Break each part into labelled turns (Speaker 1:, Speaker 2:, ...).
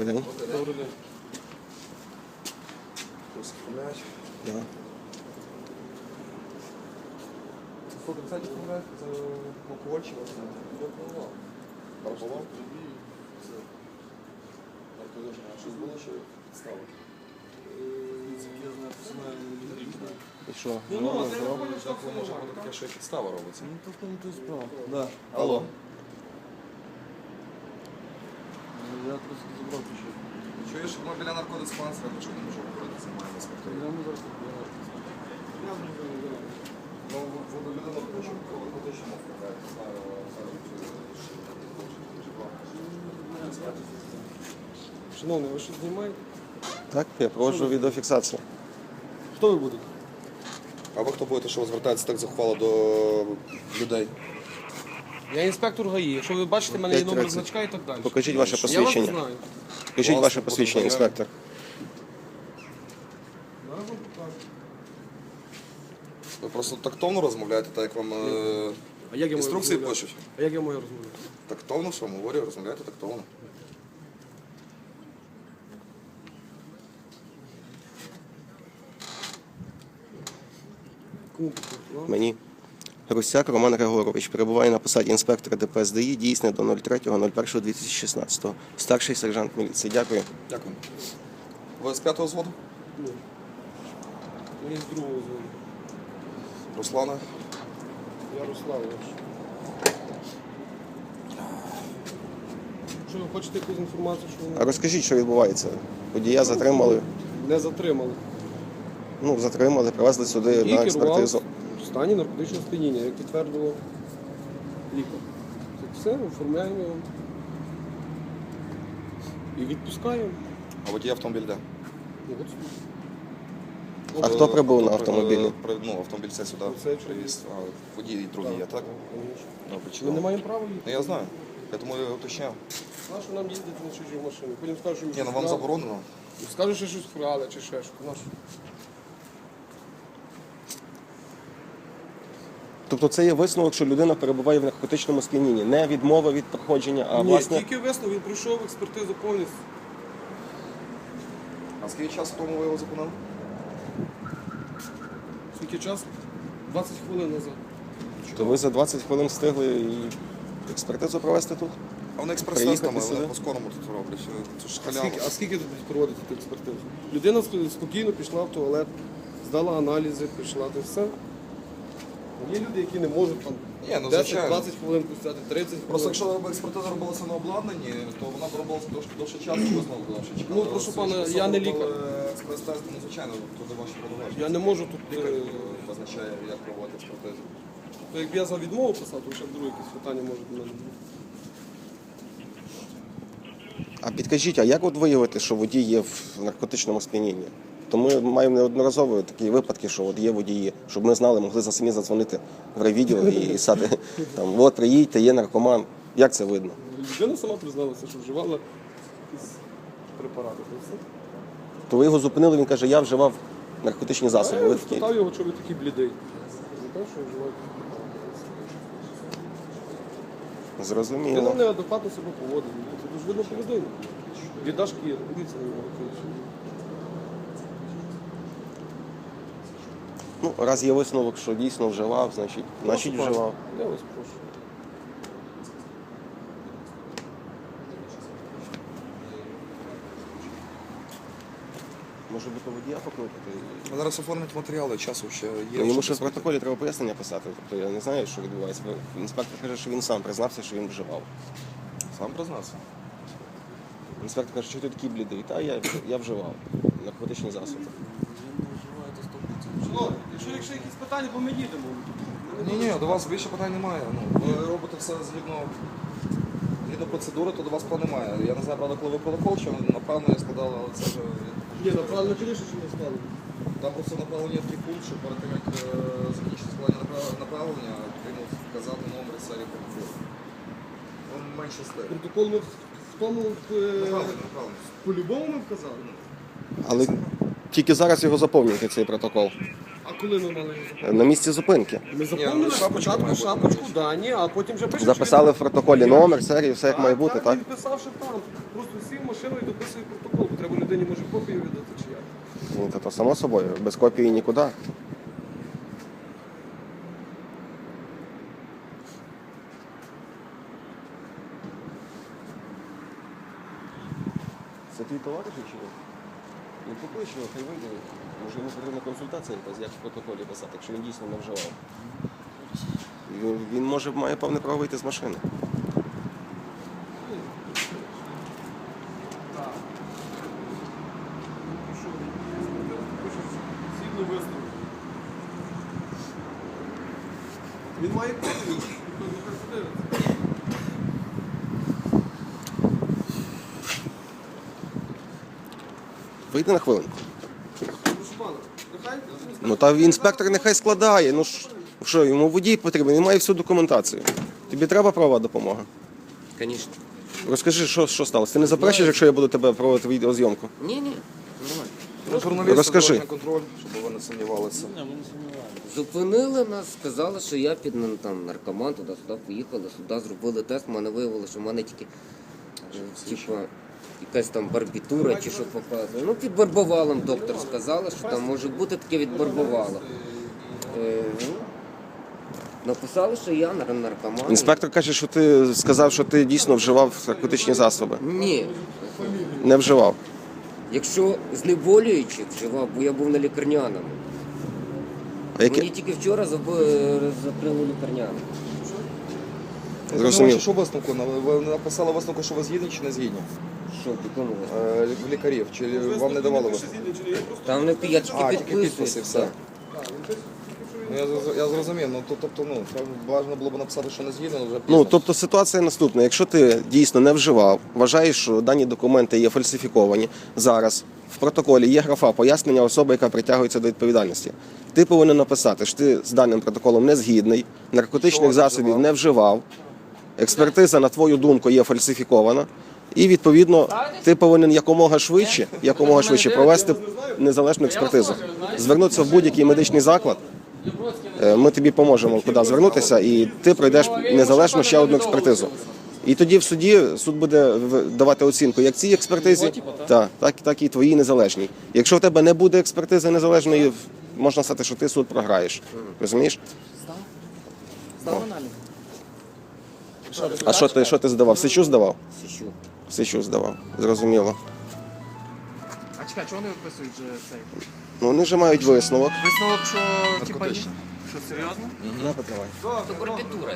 Speaker 1: Добрий день.
Speaker 2: Добрий день.
Speaker 3: Оформляють.
Speaker 1: Да.
Speaker 3: Сколько, кстати, оформляють? Це алкогольчик власне? Парополом? Щось було, що підстави?
Speaker 2: Я знаю, персонально не знаю.
Speaker 1: І що?
Speaker 3: Так може бути таке, що і підстава робиться.
Speaker 2: Ну, то в тому то і справа. Да.
Speaker 3: Алло.
Speaker 2: Я просто забрав ключі.
Speaker 3: Чуєш, ми біля наркодиспансера, то що не можу говорити, займаємо спектр.
Speaker 2: Я не зараз побігаю. Я не знаю.
Speaker 3: Ну, ви людина хочу, точно оформляють, не знаю,
Speaker 2: Шановний, ви що знімаєте?
Speaker 1: Так, я проводжу відеофіксацію.
Speaker 2: Хто ви будете?
Speaker 3: А ви хто будете, що ви звертаєтеся так зухвало до людей?
Speaker 2: Я інспектор ГАІ. Якщо ви бачите, в мене є номер
Speaker 1: 5:30.
Speaker 2: значка і так далі.
Speaker 1: Покажіть ваше
Speaker 2: Я вас
Speaker 1: посвідчення.
Speaker 2: знаю.
Speaker 1: Покажіть ваше посвідчення, інспектор.
Speaker 2: Зараз вам покажу.
Speaker 3: Ви просто тактовно розмовляєте, так як вам
Speaker 2: А як я можу
Speaker 3: інструкції
Speaker 2: розмовляти?
Speaker 3: пишуть?
Speaker 2: А як я можу розмовляти?
Speaker 3: Тактовно, що вам говорю, розмовляєте тактовно.
Speaker 2: Кому покажу?
Speaker 1: Мені. Русяк Роман Григорович перебуває на посаді інспектора ДПС ДАІ, дійсне до 03.01.2016. Старший сержант міліції. Дякую.
Speaker 3: Дякую. Ви з 5-го взводу?
Speaker 2: Ні. Мені з другого звону.
Speaker 3: Руслана?
Speaker 2: Ярославович. Що ви хочете якусь інформацію, що
Speaker 1: А
Speaker 2: ви
Speaker 1: розкажіть, що відбувається. Водія затримали,
Speaker 2: не затримали?
Speaker 1: затримали, привезли сюди
Speaker 2: І
Speaker 1: на
Speaker 2: керував
Speaker 1: експертизу.
Speaker 2: в стані наркотичного сп'яніння, як підтвердило лікар. Так все, оформляємо його. І відпускаємо.
Speaker 3: А водій автомобіль де?
Speaker 2: Ну, от
Speaker 1: А хто прибув на автомобілі?
Speaker 3: Ну, автомобіль це сюди
Speaker 2: Це
Speaker 3: привіз. А водій і другий є, так?
Speaker 2: Конечно.
Speaker 3: Добре,
Speaker 2: Ми
Speaker 3: чудово.
Speaker 2: не маємо права їхати.
Speaker 3: Ну, я знаю. Я тому я уточняв.
Speaker 2: Нащо нам їздити на чужій машині? Потім скажуть, що ми
Speaker 3: Ні,
Speaker 2: щось
Speaker 3: ну вам
Speaker 2: вкрали.
Speaker 3: заборонено.
Speaker 2: Скажуть, що щось вкрали чи ще що. Нащо?
Speaker 1: Тобто це є висновок, що людина перебуває в наркотичному сп'янінні. Не відмова від проходження, а
Speaker 2: Ні,
Speaker 1: власне...
Speaker 2: тільки висновок, він пройшов експертизу повністю.
Speaker 3: А скільки часу тому ви його зупинили?
Speaker 2: Скільки часу? 20 хвилин назад.
Speaker 1: То ви за 20 хвилин встигли і експертизу провести тут?
Speaker 3: А вони експрес-тестами,
Speaker 1: Приїхати
Speaker 3: вони
Speaker 1: сюди?
Speaker 3: по-скорому тут роблять. Це ж
Speaker 2: А
Speaker 3: халява.
Speaker 2: скільки тут проводити ту експертизу? Людина спокійно пішла в туалет, здала аналізи, пішла, то все. Є люди, які не можуть там
Speaker 3: Ні, ну, звичайно.
Speaker 2: 10-20 хвилин пустяти, 30 хвилин.
Speaker 3: Просто якщо б експертиза робилася на обладнанні, то вона б робилася довше часу, і ви знову довше чекали.
Speaker 2: Ну, прошу пана,
Speaker 3: Якщо
Speaker 2: я не
Speaker 3: робили
Speaker 2: лікар.
Speaker 3: Експрес-тест, ну, звичайно, туди ваші повноваження.
Speaker 2: Я не можу тут.
Speaker 3: Лікар визначає, як проводити експертизу.
Speaker 2: То якби я за відмову писав, то ще друге якісь питання можуть до мене бути.
Speaker 1: А підкажіть, а як от виявити, що водій є в наркотичному сп'янінні? То ми маємо неодноразово такі випадки, що от є водії, щоб ми знали, могли за самі задзвонити в райвідділ і сати там, от приїдьте, є наркоман. Як це видно?
Speaker 2: Людина сама призналася, що вживала якісь препарати. То все.
Speaker 1: То ви його зупинили, він каже, я вживав наркотичні засоби.
Speaker 2: Я
Speaker 1: Ви такі,
Speaker 2: спитав його, чого ви такий блідий. Він каже, що вживають. Він
Speaker 1: зрозуміло.
Speaker 2: неадекватно себе поводить. Це дуже видно по людині. Біда шкіри. Дивіться на нього.
Speaker 1: Ну, раз є висновок, що дійсно вживав, значить вживав.
Speaker 2: Я вас прошу.
Speaker 1: Може бути водія покликати?
Speaker 3: А зараз оформлять матеріали, часу ще є.
Speaker 1: Ну, йому
Speaker 3: щоб
Speaker 1: ще в протоколі треба пояснення писати. Тобто я не знаю, що відбувається. Інспектор каже, що він сам признався, що він вживав.
Speaker 3: Сам признався.
Speaker 1: Інспектор каже, що ти такий блідий? Та я вживав наркотичні засоби.
Speaker 2: Якщо якісь питання, бо ми їдемо.
Speaker 3: Ні, до вас більше питань немає. Ну, ви робите все згідно процедури, то до вас плану немає. Я не знаю, правда, коли ви протокол, що напевно я складав, але це вже...
Speaker 2: Ні, направлено конечно, що не стало.
Speaker 3: Там просто направлення такий пункт, що перед тим, як закінчити складання направлення, потрібно вказати номер і серії протоколу. Він менше стає.
Speaker 2: Протокол ми в тому
Speaker 3: Направлення.
Speaker 2: по-любому ми вказали.
Speaker 1: Але тільки зараз його заповнюєте, цей протокол.
Speaker 2: А коли ми мали його?
Speaker 1: На місці зупинки.
Speaker 2: Ми заповнили спочатку шапочку дані, а потім вже пишемо.
Speaker 1: Записали в протоколі номер, серію, все як має бути, так?
Speaker 2: Він писав, що там. Просто сів в машину і дописує протокол. Бо треба людині, може, копію віддати чи як.
Speaker 1: Ну, то само собою, без копії нікуди. Це твій товариш чи ні? Ну поклич його, хай вийде. Може йому потрібна консультація якась, як в протоколі писати, якщо він дійсно не вживав. Він може має повне право вийти з машини.
Speaker 2: Згідно висновку. Він має копію. Нехай подивиться.
Speaker 1: Вийди на хвилинку.
Speaker 2: Прошу пана, нехай
Speaker 1: Ну та інспектор нехай складає. Ну що, йому водій потрібен, він має всю документацію. Тобі треба правова допомога?
Speaker 4: Звісно.
Speaker 1: Розкажи, що сталося? Ти не заперечиш, якщо я буду тебе проводити відеозйомку?
Speaker 4: Ні, нормально.
Speaker 3: Журналісти,
Speaker 1: Розкажи.
Speaker 3: дорожній контроль, щоб ви не сумнівалися.
Speaker 4: Зупинили нас, сказали, що я під там, наркоман, туди-сюди поїхали, сюди зробили тест, мене виявили, що в мене тільки типа, якась там барбітура чи що показує. Ну, під барбовалом доктор сказала, що там може бути таке від барбовала. Написали, що я наркоман.
Speaker 1: Інспектор каже, що ти сказав, що ти дійсно вживав наркотичні засоби.
Speaker 4: Ні.
Speaker 1: Не вживав.
Speaker 4: Якщо знеболюючих вживав, бо я був на лікарняному.
Speaker 1: А
Speaker 4: Мені
Speaker 1: які...
Speaker 4: тільки вчора закрили лікарняному.
Speaker 1: Зрозумів.
Speaker 3: Що висновку? Ви написали висновку, що ви згідні чи не згідні?
Speaker 4: Що, в якому висновку?
Speaker 3: В лікарів, чи вам не давали висновку?
Speaker 4: Там не я тільки
Speaker 3: Тільки
Speaker 4: підписую.
Speaker 3: підписи, все. Ну, я зрозумів, ну тобто, ну, це важливо було б написати, що не згідно, але вже пізно.
Speaker 1: Ну, тобто ситуація наступна. Якщо ти дійсно не вживав, вважаєш, що дані документи є фальсифіковані, зараз в протоколі є графа пояснення особи, яка притягується до відповідальності. Ти повинен написати, що ти з даним протоколом не згідний, наркотичних засобів не вживав, експертиза, на твою думку, є фальсифікована, і, відповідно, ти повинен якомога швидше провести незалежну експертизу. Звернутися в будь-який медичний заклад, ми тобі поможемо, куди звернутися, і ти пройдеш незалежно ще одну експертизу. І тоді в суді суд буде давати оцінку як цій експертизі, так і твоїй незалежній. Якщо в тебе не буде експертизи незалежної, можна сказати, що ти суд програєш. Розумієш?
Speaker 5: Здав аналіз.
Speaker 1: А що ти здавав? Сечу здавав?
Speaker 4: Січу.
Speaker 1: Сечу здавав. Зрозуміло.
Speaker 5: А чекай, чого вони виписують же цей?
Speaker 1: Ну, вони вже мають висновок.
Speaker 5: Висновок, що типа ні? Що серйозно?
Speaker 4: Це барбітура.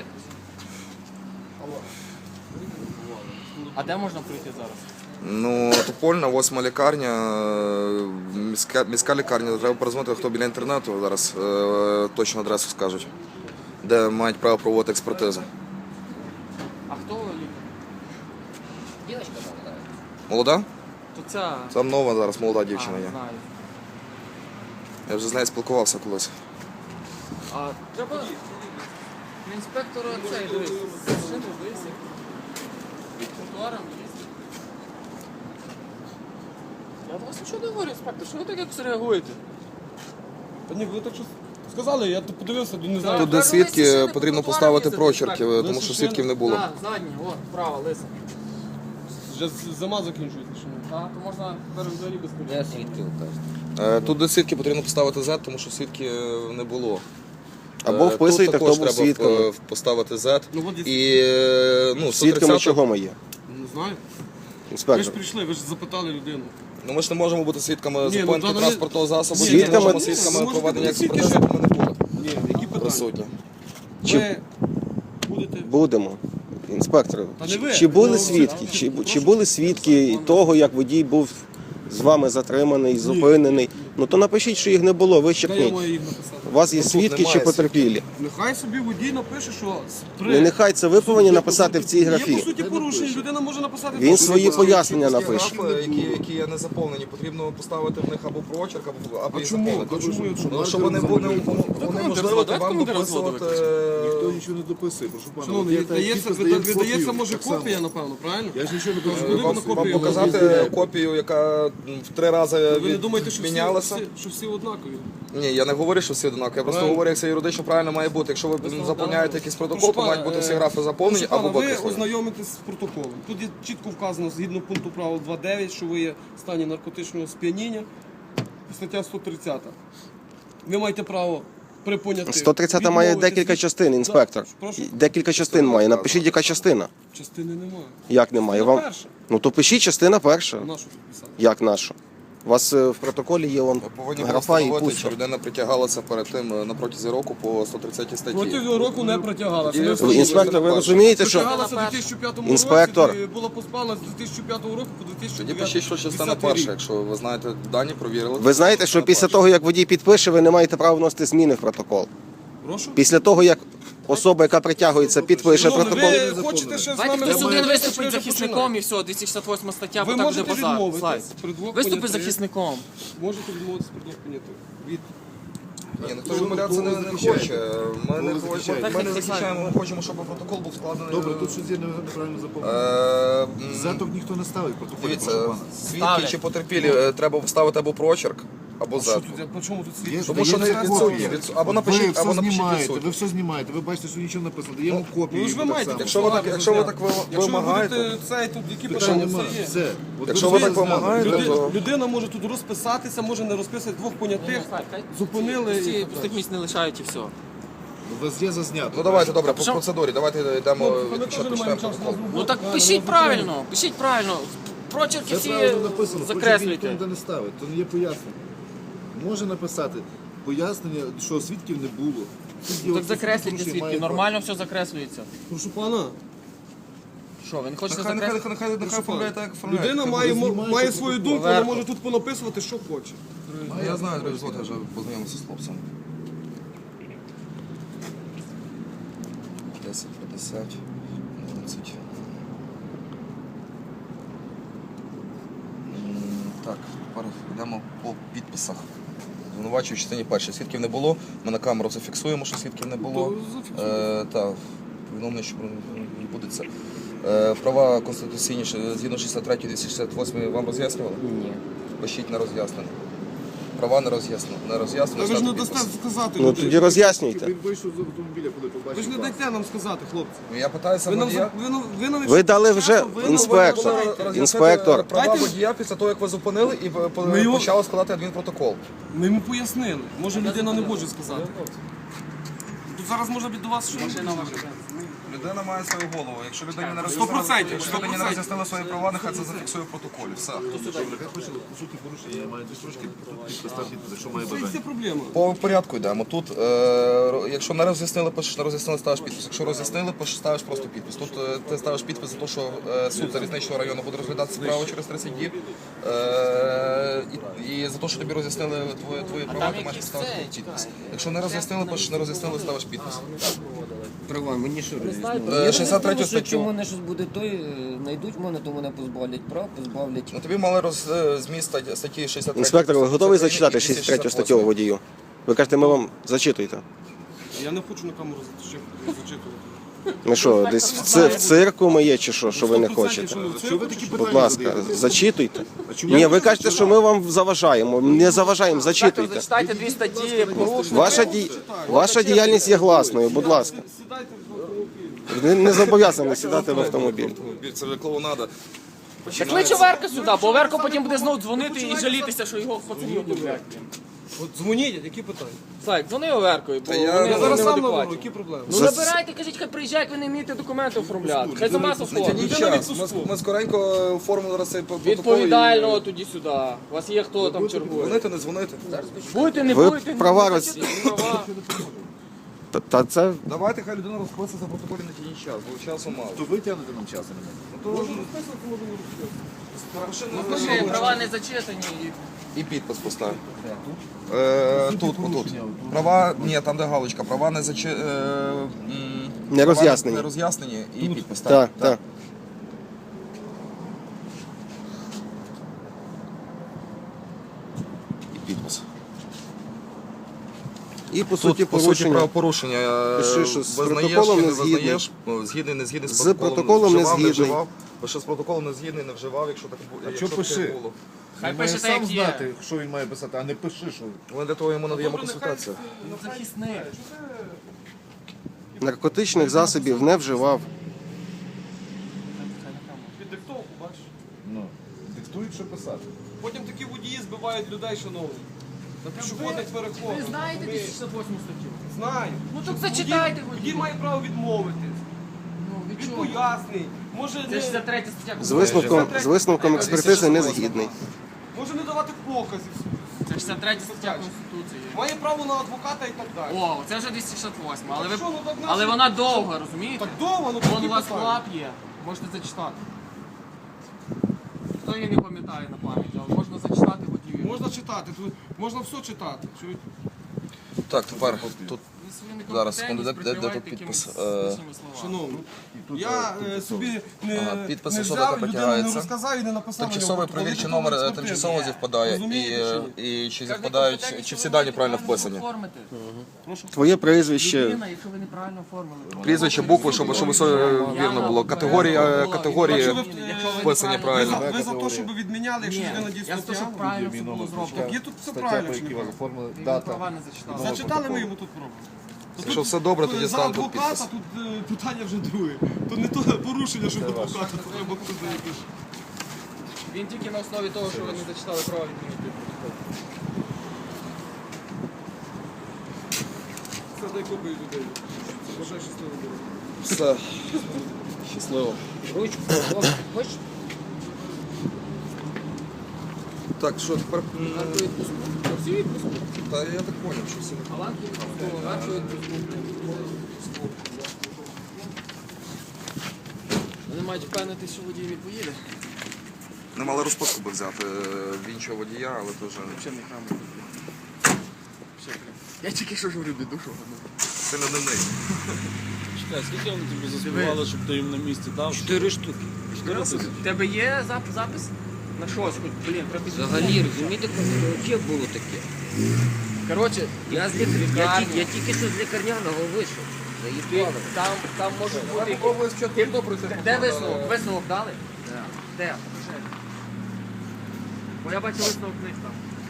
Speaker 5: А де можна прийти зараз?
Speaker 3: Ну, Топольна, 8 лікарня, міська лікарня, треба перезвонити, хто біля інтернету зараз точну адресу скажуть, де мають право проводити експертизу.
Speaker 5: А хто лікар?
Speaker 4: Дівчинка там,
Speaker 3: Молода?
Speaker 5: То ця...
Speaker 3: Там нова зараз молода дівчина є.
Speaker 5: знаю.
Speaker 3: Я вже з нею спілкувався колись.
Speaker 5: А треба... Інспектора цей, дивись, машину висів. Тротуаром їздить. Я до вас нічого не говорю, інспектор, що ви так якось реагуєте?
Speaker 2: Та ні, ви так щось сказали, я тут подивився, не знаю.
Speaker 3: Тут, де свідки, потрібно поставити прочерки, тому що свідків не було.
Speaker 5: Так, задні, о, право, лиса.
Speaker 2: Вже зима закінчується. Що ні?
Speaker 5: Так, то можна тепер взагалі без
Speaker 4: Я
Speaker 5: коліс.
Speaker 4: свідків кажу.
Speaker 3: Тут, де свідки, потрібно поставити Z, тому що свідки не було.
Speaker 1: Або вписуйте,
Speaker 3: Тут
Speaker 1: хто
Speaker 3: також
Speaker 1: був
Speaker 3: треба
Speaker 1: свідком.
Speaker 3: Поставити Z.
Speaker 2: Ну, от
Speaker 3: І, ну,
Speaker 1: Свідками
Speaker 3: 130-та
Speaker 1: чого ми є?
Speaker 2: Не знаю. Ви ж
Speaker 1: Інспектор.
Speaker 2: прийшли, ви ж запитали людину.
Speaker 3: Ну, ми ж не можемо бути свідками
Speaker 2: Ні, ну,
Speaker 3: зупинки
Speaker 2: та,
Speaker 3: транспортного засобу,
Speaker 1: Свідками-
Speaker 3: не можемо
Speaker 2: Ні,
Speaker 3: свідками
Speaker 2: ви можете
Speaker 3: проведення
Speaker 2: бути свідки,
Speaker 3: експертизи, ми не були
Speaker 2: Ні, які питання?
Speaker 3: присутні.
Speaker 1: Чи-
Speaker 2: Ви будете...
Speaker 1: Будемо. Інспектор,
Speaker 2: Та не ви.
Speaker 1: чи були
Speaker 2: Ну,
Speaker 1: свідки?
Speaker 2: це-
Speaker 1: Чи були свідки того, як водій був з вами затриманий, зупинений? Ну то напишіть, що їх не було,
Speaker 2: Де я
Speaker 1: вичерпніть.
Speaker 2: маю їх написати?
Speaker 1: вас є
Speaker 3: Ну, тут
Speaker 1: свідки чи
Speaker 3: немає
Speaker 1: потерпілі.
Speaker 2: Нехай собі водій напише, що
Speaker 1: Не нехай це ви повинні написати в цій
Speaker 2: Є по
Speaker 1: графі.
Speaker 2: суті порушення, людина може написати.
Speaker 1: Він
Speaker 2: що
Speaker 1: свої
Speaker 2: є
Speaker 1: пояснення
Speaker 3: Такі
Speaker 1: напише.
Speaker 3: графи, які є не заповнені, потрібно поставити в них або прочерк, або їх
Speaker 2: чому?
Speaker 3: заповнити.
Speaker 2: А чому?
Speaker 3: Ну, щоб вони були можливо
Speaker 5: давайте
Speaker 3: вам
Speaker 5: коментар
Speaker 3: дописувати.
Speaker 6: Ніхто нічого не дописує, прошу пана.
Speaker 2: Шановний,
Speaker 6: От я
Speaker 2: видається,
Speaker 6: підпис даю
Speaker 2: видається,
Speaker 6: копію,
Speaker 2: може
Speaker 6: так само.
Speaker 2: копія, напевно, правильно?
Speaker 6: Я ж нічого не кажу.
Speaker 2: Куди
Speaker 3: Вам,
Speaker 2: на
Speaker 3: вам
Speaker 2: копію?
Speaker 3: показати копію, яка в 3 рази
Speaker 2: Ви не думаєте, що
Speaker 3: мінялася?
Speaker 2: що всі однакові?
Speaker 3: Ні, я не говорю, що всі однакові. Я просто
Speaker 2: Правильно.
Speaker 3: говорю, як це юридично правильно має бути. Якщо ви заповняєте якийсь протокол, то мають бути всі графи заповнені
Speaker 2: Прошу
Speaker 3: або
Speaker 2: пана, ви
Speaker 3: викреслені.
Speaker 2: ознайомитесь з протоколом. Тут є чітко вказано, згідно пункту правил 2.9, що ви є в стані наркотичного сп'яніння. Стаття 130. Ви маєте право при понятих
Speaker 1: 130 має
Speaker 2: відмовитись
Speaker 1: декілька
Speaker 2: від-
Speaker 1: частин, інспектор.
Speaker 2: Так, прошу?
Speaker 1: Декілька частин має. Напишіть, яка частина.
Speaker 2: Частини немає.
Speaker 1: Як немає?
Speaker 2: Частина
Speaker 1: Вам...
Speaker 2: перша.
Speaker 1: Ну то пишіть частина перша.
Speaker 2: На що тут писати?
Speaker 1: Як наша? У вас в протоколі є он
Speaker 3: Ви повинні були
Speaker 1: графа і
Speaker 3: встановити, чи
Speaker 1: пусто.
Speaker 3: людина притягалася перед тим на протязі року по 130 статті.
Speaker 2: Протягом року не притягала. Це
Speaker 3: Тоді-
Speaker 2: не
Speaker 3: Ви,
Speaker 2: встановлено.
Speaker 1: Інспектор, ви розумієте, що
Speaker 2: Притягалася у 2005
Speaker 1: Інспектор.
Speaker 2: році і була поспала з 2005 року по 2009
Speaker 3: Тоді пишіть, що частина
Speaker 2: 10
Speaker 3: перша,
Speaker 2: рік.
Speaker 3: якщо ви знаєте дані, провірили.
Speaker 1: ви знаєте, що після того, як водій підпише, ви не маєте права вносити зміни в протокол.
Speaker 2: Прошу?
Speaker 1: Після того, як особа, яка притягується, підпише
Speaker 2: Шановний,
Speaker 1: протокол.
Speaker 2: ви хочете ще з
Speaker 5: Давайте
Speaker 2: нами
Speaker 5: хтось
Speaker 2: розмовляти?
Speaker 5: один виступить
Speaker 2: Починайте.
Speaker 5: захисником і все, 268 стаття, бо
Speaker 2: Ви
Speaker 5: так буде
Speaker 2: можете
Speaker 5: базар.
Speaker 2: відмовитись
Speaker 5: Слайд.
Speaker 2: при двох
Speaker 5: Виступи
Speaker 2: понятих.
Speaker 5: захисником.
Speaker 2: Можете відмовитися при двох понятих. Від
Speaker 3: Ні, ніхто ж відмовлятися не хоче. Ми не
Speaker 6: захищаєте?
Speaker 3: ми не захищаємо, ми хочемо, щоб протокол був складений.
Speaker 6: Добре, тут щось є неправильно заповнено.
Speaker 3: Е,
Speaker 6: Заток ніхто не ставить в протоколі, прошу
Speaker 3: Дивіться,
Speaker 6: пана.
Speaker 3: свідки
Speaker 5: Ставлять.
Speaker 3: чи потерпілі треба вставити або прочерк, або
Speaker 2: що
Speaker 3: зетку.
Speaker 2: тут? По чому тут
Speaker 6: Є
Speaker 2: світ?
Speaker 6: ж,
Speaker 3: Тому що
Speaker 6: дається
Speaker 3: не
Speaker 6: копія.
Speaker 3: або
Speaker 6: Ви
Speaker 3: напишіть,
Speaker 6: все
Speaker 3: або напишіть
Speaker 6: знімаєте,
Speaker 3: відсутні.
Speaker 6: ви все знімаєте, ви бачите, що нічого не написано. Даємо копію.
Speaker 2: Ну ж ви
Speaker 6: так
Speaker 2: маєте
Speaker 6: само.
Speaker 3: Якщо ви так
Speaker 2: Якщо ви
Speaker 3: вимагаєте,
Speaker 2: будете цей, тут які
Speaker 6: Питань
Speaker 2: питання
Speaker 6: немає.
Speaker 2: це є.
Speaker 6: Все. От
Speaker 3: Якщо
Speaker 6: ви
Speaker 3: ви так
Speaker 6: все знали.
Speaker 3: вимагаєте, то
Speaker 2: Людина може тут розписатися, може не розписати, двох понятих зупинили. і
Speaker 5: Всі
Speaker 2: так
Speaker 5: пустих місць не лишають і все.
Speaker 6: У вас є зазнято.
Speaker 3: ну давайте добре по процедурі. Давайте йдемо
Speaker 2: Ми теж не маємо часу на
Speaker 5: Ну так пишіть правильно, пишіть правильно. Прочерки
Speaker 6: Це
Speaker 5: всі
Speaker 6: правильно написано, ніхто
Speaker 5: закреслюйте.
Speaker 6: ніде не ставить, то не є пояснення. Може написати пояснення, що свідків не було. Тут є
Speaker 5: Так
Speaker 6: оце
Speaker 5: закреслюйте
Speaker 6: порушення,
Speaker 5: свідки,
Speaker 6: має
Speaker 5: нормально все закреслюється.
Speaker 2: Прошу пана,
Speaker 5: Що, ви не хочете
Speaker 3: Нехай
Speaker 5: закреслити?
Speaker 3: оформляє так, як оформляє.
Speaker 2: людина має свою думку, вона може тут понаписувати, що хоче.
Speaker 3: Я знаю, друзі, я вже познайомився з хлопцем. 10, 50, 11. Так, тепер йдемо по підписах. Звинувачую в частині першій. Свідків не було. Ми на камеру зафіксуємо, що свідків не було. Так, повідомлення, що відбудеться. Права конституційні згідно 63-268 вам роз'яснювали?
Speaker 5: Ні.
Speaker 3: Пишіть на роз'яснення. Права не роз'яснено. Не роз'яснено.
Speaker 2: Ви ж не
Speaker 3: ставте
Speaker 2: дасте
Speaker 3: підпис.
Speaker 2: сказати
Speaker 1: Ну
Speaker 2: людині.
Speaker 1: тоді роз'яснюйте.
Speaker 6: Він вийшов з автомобіля, коли
Speaker 2: Ви
Speaker 6: побачив
Speaker 2: ж не
Speaker 6: вас.
Speaker 2: дайте нам сказати, хлопці.
Speaker 3: Ну, я питаюся
Speaker 2: Ви нам,
Speaker 3: водія.
Speaker 2: ви нам
Speaker 1: Ви дали вже
Speaker 2: часу, ви нам
Speaker 1: інспектор.
Speaker 2: вважаєте.
Speaker 1: Інспектор.
Speaker 3: Права
Speaker 2: Дайте-
Speaker 3: водія після того, як ви зупинили і
Speaker 2: Ми його-
Speaker 3: почали складати адмінпротокол.
Speaker 2: Ми йому пояснили. Може людина не може сказати. Тут зараз може бути до вас що машина ваша.
Speaker 3: Людина має свою голову. Якщо людині не
Speaker 2: 100%,
Speaker 3: якщо людині не роз'яснили свої права, нехай це зафіксує в протоколі. Все.
Speaker 6: Нехай пише, по суті, порушення, я маю 2 строчки, підпис, став підпис, якщо має
Speaker 2: Це
Speaker 6: бажання.
Speaker 2: проблема.
Speaker 3: По порядку йдемо. Тут, якщо не роз'яснили, пишеш, не роз'яснили, ставиш підпис. Якщо роз'яснили, пишеш, ставиш просто підпис. Тут ти ставиш підпис за те, що суд залізничного району буде розглядати справу через 30 днів. І за те, що тобі роз'яснили твої права, ти маєш ставити підпис. Якщо не роз'яснили, пишеш, не роз'яснили, ставиш підпис.
Speaker 4: Права, мені що роз'яснили?
Speaker 3: 63
Speaker 4: Що
Speaker 3: статтю.
Speaker 4: чому мене щось буде, той знайдуть мене, то мене позбавлять прав, позбавлять.
Speaker 3: Ну тобі мали зміст статті 63.
Speaker 1: Інспектор, ви готовий зачитати
Speaker 3: 268?
Speaker 1: 63 статтю водію? Ви кажете, ми вам зачитуєте.
Speaker 2: Я не хочу на камеру зачитувати.
Speaker 1: Ми що, десь в цирку ми є чи що ви не хочете?
Speaker 6: Що ви такі
Speaker 1: Будь
Speaker 6: питання
Speaker 1: ласка,
Speaker 6: задаєте?
Speaker 1: зачитуйте. Ні, ви кажете, що ми вам заважаємо. Не заважаємо, зачитуйте.
Speaker 5: Зачитайте 2 статті, порушення.
Speaker 1: Ваша діяльність є гласною, будь ласка.
Speaker 2: Сідайте в автомобіль.
Speaker 1: Не зобов'язані сідати в автомобіль.
Speaker 3: Це вже клоунада.
Speaker 5: Так кличе Верка сюди, бо Верко потім буде знову дзвонити і жалітися, що його пацанів блядь.
Speaker 2: От дзвоніть, які питання?
Speaker 5: Слайк, дзвони Оверкою, бо
Speaker 3: я
Speaker 5: вони
Speaker 2: Я зараз сам наберу,
Speaker 5: неадекватні.
Speaker 2: які проблеми?
Speaker 5: Ну набирайте, кажіть, хай приїжджає, як ви не вмієте документи оформляти. Хай сама
Speaker 3: Тяніть
Speaker 5: оформить.
Speaker 3: час. Ми скоренько оформили зараз цей протокол.
Speaker 5: Відповідального тоді сюди. У вас є хто там чергує.
Speaker 3: Дзвонити, не дзвонити.
Speaker 5: Будете, не
Speaker 1: Ви
Speaker 5: будете.
Speaker 1: права
Speaker 5: не
Speaker 1: роз-
Speaker 5: зачитуйте, права.
Speaker 1: Та це
Speaker 3: Давайте, хай людина розписується в протоколі на тіній час, бо часу мало.
Speaker 6: То ви тягнете нам час, а не ми.
Speaker 3: Ну, то
Speaker 2: Можна розписувати, можна не розписувати.
Speaker 5: Пиши, права не зачитані.
Speaker 3: І підпис постав. Тут, отут. Права, ні, там де галочка. Права не
Speaker 1: Не роз'яснені.
Speaker 3: Не роз'яснені і підпис.
Speaker 1: Так, так.
Speaker 3: І підпис.
Speaker 1: І по суті
Speaker 3: Тут, по суті,
Speaker 1: порушення.
Speaker 3: правопорушення.
Speaker 1: Пиши, що з
Speaker 3: Визнаєш
Speaker 1: протоколом
Speaker 3: чи
Speaker 1: не
Speaker 3: не визнаєш, згідний, не згідний
Speaker 1: З
Speaker 3: з протоколом,
Speaker 1: протоколом не
Speaker 3: вживав,
Speaker 1: згідний.
Speaker 3: вживав. Пиши з протоколом не згідний, не вживав, якщо так було.
Speaker 6: що пиши?
Speaker 3: Було.
Speaker 5: Хай
Speaker 6: Він має
Speaker 5: пише так,
Speaker 6: сам
Speaker 5: як є.
Speaker 6: знати, що він має писати, а не пиши, що.
Speaker 3: Ми для того йому надаємо консультацію.
Speaker 5: Захисник.
Speaker 1: Наркотичних засобів не вживав.
Speaker 2: Під диктовку, бачиш.
Speaker 6: Ну, диктують, що писати.
Speaker 2: Потім такі водії збивають людей, шановні. На пішохідних переходах.
Speaker 5: Ви знаєте
Speaker 2: розумієш?
Speaker 5: 268 статтю?
Speaker 2: Знаю.
Speaker 5: Ну так
Speaker 2: Водій-
Speaker 5: зачитайте
Speaker 2: Водій має право відмовитись.
Speaker 5: Ну, від
Speaker 2: Він
Speaker 5: чого?
Speaker 2: пояснить. Може
Speaker 5: Це
Speaker 2: не,
Speaker 5: 63 стаття.
Speaker 1: З висновком експертизи не згідний.
Speaker 2: може не давати показів.
Speaker 5: Це 63 стаття Конституції.
Speaker 2: Має право на адвоката і так далі.
Speaker 5: О, це вже 268, але, ви...
Speaker 2: що, ну, так
Speaker 5: але
Speaker 2: наші-
Speaker 5: вона довга, розумієте?
Speaker 2: Так довго, ну
Speaker 5: Вон
Speaker 2: такі
Speaker 5: у вас
Speaker 2: питання.
Speaker 5: клап є, можете зачитати. Хто її не пам'ятає на пам'ять, але можна зачитати водію.
Speaker 2: Можна читати, тут можна все читати. Чуєте?
Speaker 3: Так, тепер тут
Speaker 5: Ви свою
Speaker 3: Зараз,
Speaker 5: некомпетентність
Speaker 3: секунду, де тут
Speaker 5: прикриваєте
Speaker 3: підпис?
Speaker 5: якимись лишніми словами.
Speaker 2: Шановні, я собі не,
Speaker 3: Ага, підпис
Speaker 2: не
Speaker 3: особи,
Speaker 2: взяв,
Speaker 3: яка
Speaker 2: людину не
Speaker 3: притягається.
Speaker 2: розказав і не написав.
Speaker 3: тимчасовий перевірчий номер тимчасово зівпадає
Speaker 2: Розумієте,
Speaker 3: і чи
Speaker 5: Кожна
Speaker 3: зівпадають,
Speaker 5: компетентність,
Speaker 3: чи
Speaker 5: що
Speaker 3: всі
Speaker 5: ви
Speaker 3: дані
Speaker 5: маєте
Speaker 3: правильно вписані.
Speaker 5: оформити.
Speaker 1: Твоє прізвище.
Speaker 5: Людина, якщо ви неправильно оформили.
Speaker 3: Прізвище, букви, щоб все вірно було. Категорії вписані правильно.
Speaker 2: Ви за те, щоб відміняли, якщо
Speaker 5: Ні,
Speaker 2: людина
Speaker 5: я
Speaker 2: дійсно
Speaker 5: за те, щоб
Speaker 2: п'яна?
Speaker 5: правильно все було зроблено.
Speaker 2: Так є тут все
Speaker 6: Стаття,
Speaker 2: правильно
Speaker 6: по
Speaker 2: чи
Speaker 6: якій вас
Speaker 2: неправильно?
Speaker 6: оформили,
Speaker 5: Ви
Speaker 6: дата.
Speaker 5: права не зачитали.
Speaker 2: Зачитали ми йому тут пробу.
Speaker 3: Якщо все добре, тоді
Speaker 2: За
Speaker 3: ставимо тут
Speaker 2: адвоката
Speaker 3: підпис.
Speaker 2: тут питання вже друге. То не то порушення, щоб адвоката треба буде якось.
Speaker 5: Він тільки на основі того, що ви не зачитали права відмінити протокол.
Speaker 2: Це дай копію людей. Бажаю щасливо було.
Speaker 3: Все. Щасливо.
Speaker 4: Ручку, хочеш?
Speaker 3: Так, що тепер?
Speaker 5: Варту відпуску. Всі відпуску.
Speaker 3: Та я так зрозумів, що всі.
Speaker 5: Аванки відпуску, варту відпуску. Вони мають впевнитися, що водій не поїде.
Speaker 3: Не мали розпуску би взяти в іншого водія, але то вже
Speaker 5: Взагалі не храм. Я тільки що говорю, біду, що
Speaker 3: це не дивний.
Speaker 7: Чекай, скільки вони тобі заспівали, щоб ти їм на місці дав?
Speaker 4: 4 штуки.
Speaker 5: У тебе є запис? На щось, хоч, блін, треба
Speaker 4: Взагалі, розумієте, взагалі було таке.
Speaker 5: Коротше,
Speaker 4: Я з лікарні, я тільки що з лікарняного вийшов. Заїхали.
Speaker 5: там може бути... Де висновок? Висновок дали? Де? Покажи. Бо я бачу висновок вниз там.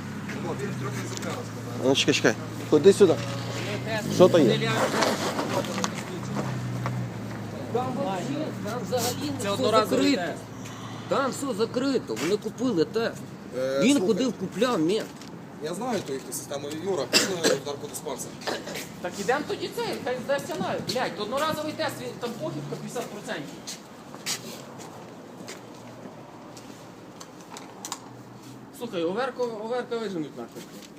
Speaker 1: Ну, чекай. Ходи сюди. Що то є?
Speaker 4: Там взагалі
Speaker 5: Це
Speaker 4: все
Speaker 5: одноразовий
Speaker 4: закрито.
Speaker 5: тест.
Speaker 4: Там все закрито, вони купили тест. Він ходив, купляв мент.
Speaker 3: Я знаю ту їхню систему. Юра, пішли в наркодиспансер.
Speaker 5: Так ідемо тоді це, хай здасться на. Блядь, то одноразовий тест, там похибка 50%. Слухай, оверка виженуть нахуй.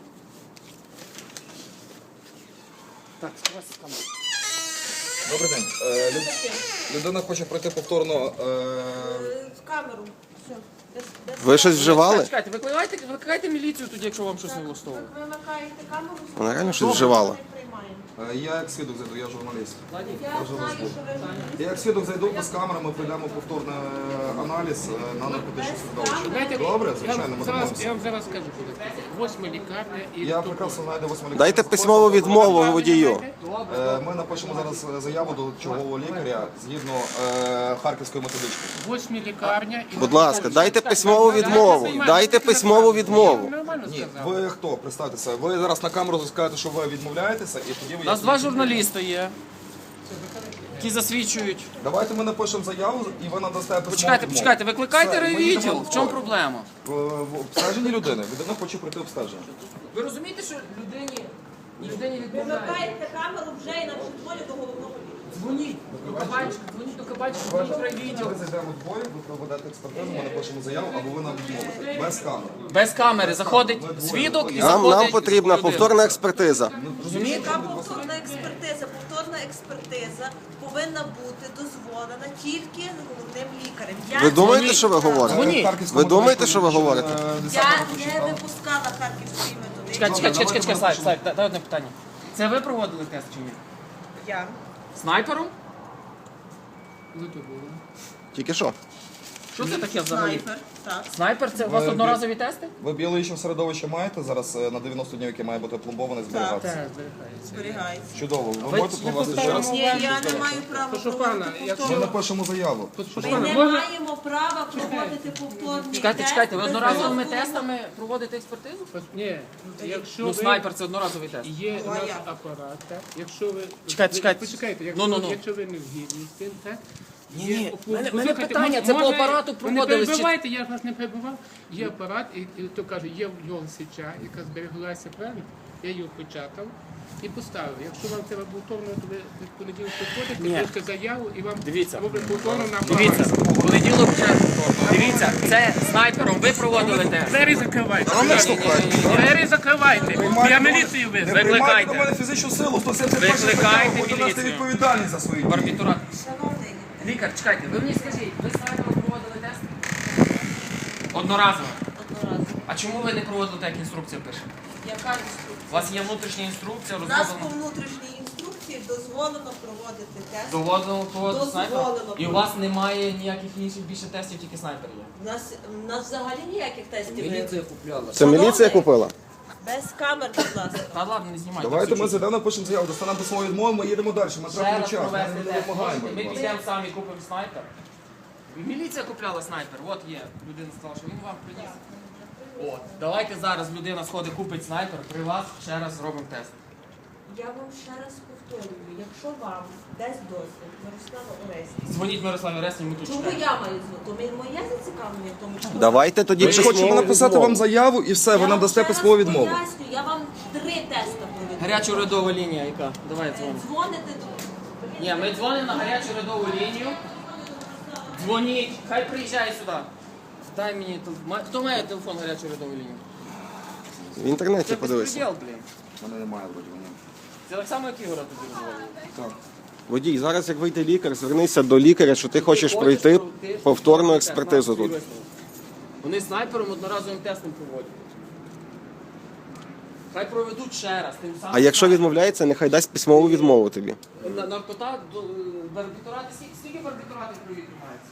Speaker 5: Так, скривайся з камери.
Speaker 3: Добрий день. Людина хоче пройти повторно.
Speaker 8: В камеру. Все.
Speaker 1: Ви щось вживали?
Speaker 5: Чекайте, викликайте міліцію тоді, якщо вам щось не влаштовує.
Speaker 8: Ви вимикаєте камеру,
Speaker 1: Вона реально щось вживала.
Speaker 8: не приймаємо.
Speaker 3: Я як свідок зайду, я журналіст.
Speaker 8: Я знаю, що ви
Speaker 3: Я як свідок зайду без камери, ми прийдемо повторний аналіз на наркотичне середовище. Добре, звичайно, ми домовимося.
Speaker 9: Я вам зараз скажу, коли. Восьма лікарня і
Speaker 3: Я прекрасно знайду 8 лікарів.
Speaker 1: Дайте письмову відмову водію.
Speaker 3: Ми напишемо зараз заяву до чергового лікаря згідно харківської методички.
Speaker 9: восьмі лікарня і
Speaker 1: Будь ласка, дайте письмову відмову. Дайте письмову відмову.
Speaker 9: Нормально
Speaker 3: Ні,
Speaker 9: сказав.
Speaker 3: ви хто? Представтеся. Ви зараз на камеру скажете, що ви відмовляєтеся, і тоді ви...
Speaker 5: У нас два журналіста є, які засвідчують.
Speaker 3: Давайте ми напишемо заяву, і ви надасте письмову
Speaker 5: Почекайте,
Speaker 3: відмову.
Speaker 5: почекайте, викликайте
Speaker 3: Все, ми
Speaker 5: райвідділ.
Speaker 3: йдемо
Speaker 5: В чому
Speaker 3: в
Speaker 5: проблема?
Speaker 3: В обстеженні людини. Людина хоче пройти обстеження.
Speaker 5: Ви розумієте, що людині відмовляють?
Speaker 8: вимикаєте камеру вже і навіть дзвонять до головного лікаря.
Speaker 5: Дзвоніть до кабанчика, дзвоніть до кабанчика, дзвоніть в райвідділ.
Speaker 3: Ми зайдемо вдвоє, ви проведете експертизу, ми напишемо заяву, або ви нам відмовите. Без камери.
Speaker 5: Без камери заходить свідок і
Speaker 1: Нам
Speaker 5: заходить
Speaker 1: потрібна
Speaker 5: людина.
Speaker 1: повторна експертиза.
Speaker 5: Розумієте?
Speaker 8: Яка повторна експертиза? Повторна повторна експертиза повинна бути дозволена тільки головним лікарем. Я
Speaker 1: Ви думаєте, що ви говорите? Ви думаєте, що ви говорите?
Speaker 8: не випускала харківської методики.
Speaker 5: Чекай, Слайд, дай одне питання. Це ви проводили тест чи ні?
Speaker 8: Я.
Speaker 5: Снайпером?
Speaker 1: Тільки що?
Speaker 5: Що це таке взагалі?
Speaker 8: Снайпер, так.
Speaker 5: Снайпер це у вас одноразові тести?
Speaker 3: Ви біологічне середовище маєте зараз на 90 днів, яке має бути пломбоване, зберігатися?
Speaker 8: Зберігається.
Speaker 3: Чудово. Ви можете проводити ще раз?
Speaker 8: Ні, я не маю права проводити
Speaker 3: Ми напишемо заяву.
Speaker 8: Ми не маємо права проводити повторні
Speaker 5: Чекайте,
Speaker 8: тести
Speaker 5: ви
Speaker 8: без
Speaker 5: одноразовими
Speaker 8: дозволу.
Speaker 5: тестами проводите експертизу?
Speaker 9: Ні, якщо
Speaker 5: Ну,
Speaker 9: ви...
Speaker 5: снайпер це одноразовий тест.
Speaker 9: Є
Speaker 8: Ну, а
Speaker 9: наш
Speaker 8: як?
Speaker 9: апарат, так? Якщо ви...
Speaker 5: Чекайте.
Speaker 9: Почекайте,
Speaker 5: Ну.
Speaker 9: якщо ви не згідні з цим, так?
Speaker 5: Ні,
Speaker 9: Послухайте,
Speaker 5: мене питання, це по
Speaker 9: може,
Speaker 5: апарату
Speaker 9: ви не
Speaker 5: проводились чи-
Speaker 9: перебивайте, я вас не перебував. Є апарат, і то каже, є в нього січа, яка збереглася правильно, я її опечатав і поставив. Якщо вам треба повторно, то ви в понеділок приходите, пишете заяву і вам
Speaker 5: Дивіться.
Speaker 9: роблять повторно на
Speaker 5: Дивіться,
Speaker 9: апараті.
Speaker 5: понеділок вже. Дивіться, це снайпером ви проводили тест.
Speaker 9: Двері закривайте.
Speaker 5: Ні.
Speaker 9: Двері закривайте. Я міліцію визвав.
Speaker 5: Викликайте.
Speaker 3: до мене фізичну силу, 171
Speaker 5: Викликайте
Speaker 3: стаття, будете нести
Speaker 5: міліцію.
Speaker 3: відповідальність за свої дії.
Speaker 5: Барбітурат.
Speaker 8: Шановний,
Speaker 5: Лікар, чекайте, ви мені скажіть, ви снайпером проводили тест? Одноразово.
Speaker 8: одноразово.
Speaker 5: А чому ви не проводили так, як інструкція пише?
Speaker 8: Яка
Speaker 5: У
Speaker 8: інструкція?
Speaker 5: вас є внутрішня інструкція,
Speaker 8: У нас по
Speaker 5: розроблена.
Speaker 8: внутрішній інструкції дозволено проводити тест.
Speaker 5: Доводимо проводити снайпер?
Speaker 8: Дозволено.
Speaker 5: І у вас немає ніяких інших більше тестів, тільки снайпер є.
Speaker 8: У нас взагалі ніяких тестів немає.
Speaker 4: Міліція купляла.
Speaker 1: Це міліція купила?
Speaker 8: Без камер, будь ласка.
Speaker 5: Та ладно, не знімайте.
Speaker 3: Давайте ми
Speaker 5: Чуть-чуть.
Speaker 3: зайдемо, напишемо заяву, достанемо письмову відмову, ми їдемо далі. Ми
Speaker 5: Ще
Speaker 3: тратимо
Speaker 5: раз
Speaker 3: час, ми
Speaker 5: провести
Speaker 3: не
Speaker 5: тест.
Speaker 3: допомагаємо.
Speaker 5: Ми підемо самі купимо снайпер. Міліція купляла снайпер, от є. Людина сказала, що він вам приніс. От, давайте зараз людина сходить, купить снайпер, при вас ще раз зробимо тест.
Speaker 8: Я вам ще раз повторюю, якщо вам дасть дозвіл Мирослава Орестівна,
Speaker 5: Дзвоніть Мирославі Ресні, ми тут
Speaker 8: чому
Speaker 5: чекаємо.
Speaker 8: я маю звати? То моє зацікавлення в тому, що
Speaker 1: Давайте тоді
Speaker 3: Ми ж хочемо
Speaker 1: письмову
Speaker 3: написати
Speaker 1: відмову.
Speaker 3: вам заяву і все, ви
Speaker 8: Я
Speaker 3: нам
Speaker 8: вам
Speaker 3: дасте
Speaker 8: ще раз
Speaker 3: письмову відмову.
Speaker 8: поясню, я вам 3 теста проведу.
Speaker 5: Гаряча урядова лінія яка? Давай дзвонимо.
Speaker 8: Дзвоните.
Speaker 5: Ні, ми дзвонимо на гарячу урядову лінію. Дзвоніть, хай приїжджає сюди. Дай мені телефон. Хто має телефон гарячої урядової лінії?
Speaker 1: В інтернеті
Speaker 5: Це
Speaker 1: подивися.
Speaker 5: безпреділ, блін.
Speaker 3: У мене немає вроді вони.
Speaker 5: Це так само, як Ігора тобі дозволили.
Speaker 1: Водій, зараз як вийде лікар, звернися до лікаря, що ти хочеш пройти повторну експертизу тут.
Speaker 5: Вони снайпером одноразовим тестом проводять. Хай проведуть ще раз. Тим самим
Speaker 1: А якщо відмовляється, нехай дасть письмову відмову тобі.
Speaker 5: наркота, барбітурати, скільки барбітуратів в крові тримається?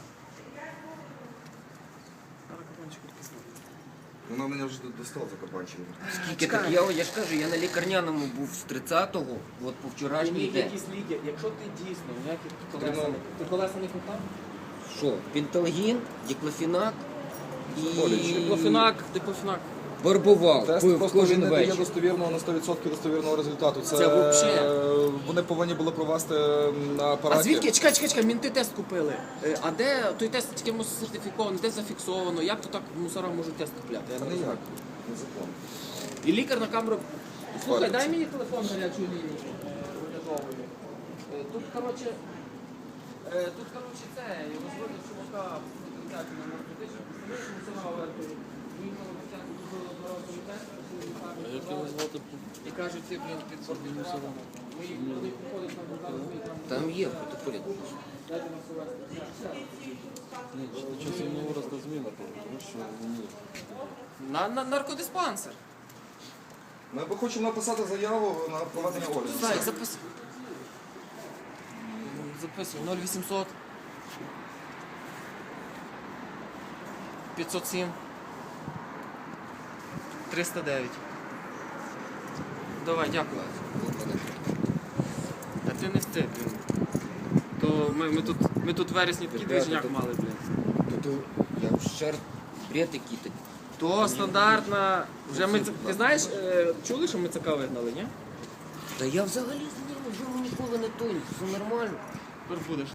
Speaker 3: Вона мене вже достала за кабанчиком.
Speaker 4: Скільки так, я ж кажу, я на лікарняному був з 30-го, от по вчорашній
Speaker 5: Прийміть
Speaker 4: день.
Speaker 5: якісь ліки. Якщо ти дійсно ніяких колеса не... Ти колеса не купав?
Speaker 4: Що? Пенталгін, диклофенак і
Speaker 5: Диклофенак.
Speaker 4: барбувал.
Speaker 3: Тест
Speaker 4: Пив
Speaker 3: просто
Speaker 4: кожен
Speaker 3: він не дає
Speaker 4: вечір.
Speaker 3: достовірного на 100% достовірного результату.
Speaker 5: Це вообще.
Speaker 3: Вони повинні були провести на апараті.
Speaker 5: А звідки? Чекай, мінти тест купили. А де той тест з кимось сертифікований, де зафіксовано? Як то так мусора можуть тест купляти? Я
Speaker 3: Це
Speaker 5: не
Speaker 3: не
Speaker 5: розумію.
Speaker 3: як. Незаконно.
Speaker 5: І лікар на камеру. Слухай, дай мені телефон гарячої лінії урядової. Тут, коротше, це, я розводив чувака на наркотичну постановку, мусора вертою. Він обіцяв, що було одноразовий тест,
Speaker 7: Як його звати?
Speaker 5: і кажуть, ці, блін, під барбітуратом. Ми їх, вони приходять на зараз, ми там,
Speaker 4: Там є в протоколі.
Speaker 5: дайте нас увести.
Speaker 7: Ні, щось йому виросла зміна, тому що ні.
Speaker 5: На наркодиспансер.
Speaker 3: Ми хочемо написати заяву на проведення огляду.
Speaker 5: Так, записуй. Записуй. 0800 507 309. Давай, дякую. А ти не встиг, блін. То ми тут в вересні такий движняк мали, блін.
Speaker 4: Тут я ще раз бред який-то.
Speaker 5: То стандартна. Вже ми ти знаєш, чули, що ми ЦК вигнали, ні?
Speaker 4: Та я взагалі з ним вже ніколи не той, все нормально.
Speaker 5: Тепер будеш.